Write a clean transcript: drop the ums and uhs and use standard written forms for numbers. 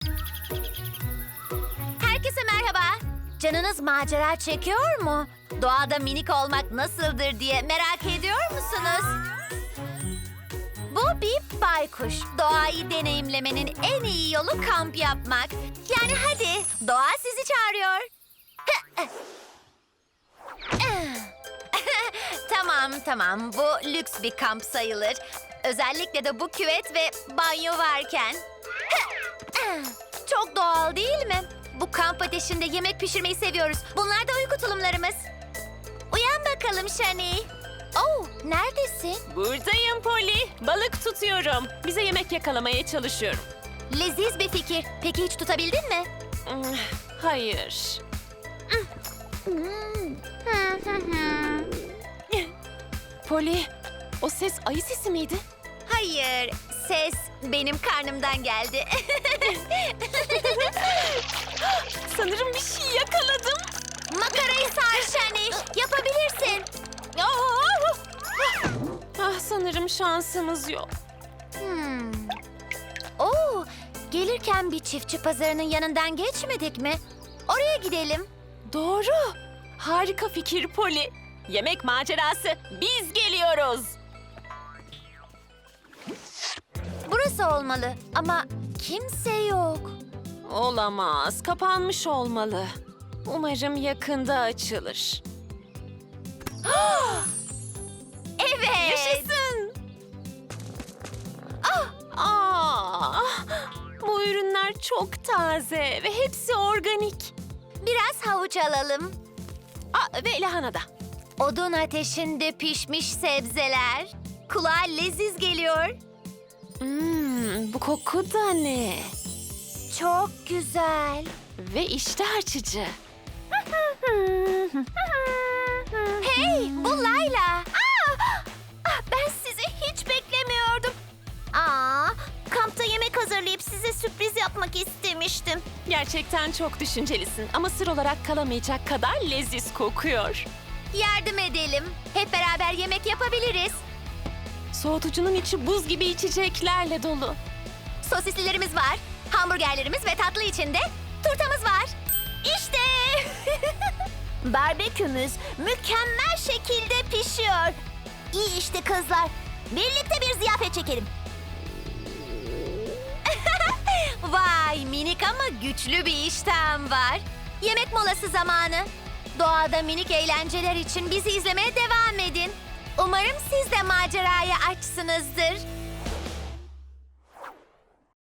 Herkese merhaba. Canınız macera çekiyor mu? Doğada minik olmak nasıldır diye merak ediyor musunuz? Bu bir baykuş. Doğayı deneyimlemenin en iyi yolu kamp yapmak. Yani hadi, doğa sizi çağırıyor. Tamam. Bu lüks bir kamp sayılır. Özellikle de bu küvet ve banyo varken. Çok doğal değil mi? Bu kamp ateşinde yemek pişirmeyi seviyoruz. Bunlar da uyku tulumlarımız. Uyan bakalım Shani. Oh, neredesin? Buradayım Polly. Balık tutuyorum. Bize yemek yakalamaya çalışıyorum. Leziz bir fikir. Peki hiç tutabildin mi? Hayır. Polly, o ses ayı sesi miydi? Hayır, ses benim karnımdan geldi. Sanırım bir şey yakaladım. Makarayı sar Shani. Yapabilirsin. Sanırım şansımız yok. Oo, gelirken bir çiftçi pazarının yanından geçmedik mi? Oraya gidelim. Doğru. Harika fikir Polly. Yemek macerası. Biz geliyoruz. Burası olmalı ama kimse yok. Olamaz. Kapanmış olmalı. Umarım yakında açılır. Evet. Yaşasın. Bu ürünler çok taze ve hepsi organik. Biraz havuç alalım. Ve lahana da. Odun ateşinde pişmiş sebzeler. Kulağa leziz geliyor. Bu koku da ne? Çok güzel. Ve iştah açıcı. Hey, bu Layla. Ben sizi hiç beklemiyordum. Kampta yemek hazırlayıp size sürpriz yapmak istemiştim. Gerçekten çok düşüncelisin ama sır olarak kalamayacak kadar leziz kokuyor. Yardım edelim. Hep beraber yemek yapabiliriz. Soğutucunun içi buz gibi içeceklerle dolu. Sosislilerimiz var, hamburgerlerimiz ve tatlı içinde turtamız var. İşte! Barbekümüz mükemmel şekilde pişiyor. İyi işte kızlar. Birlikte bir ziyafet çekelim. Vay, minik ama güçlü bir iştahım var. Yemek molası zamanı. Doğada minik eğlenceler için bizi izlemeye devam edin. Umarım siz de maceraya açsınızdır.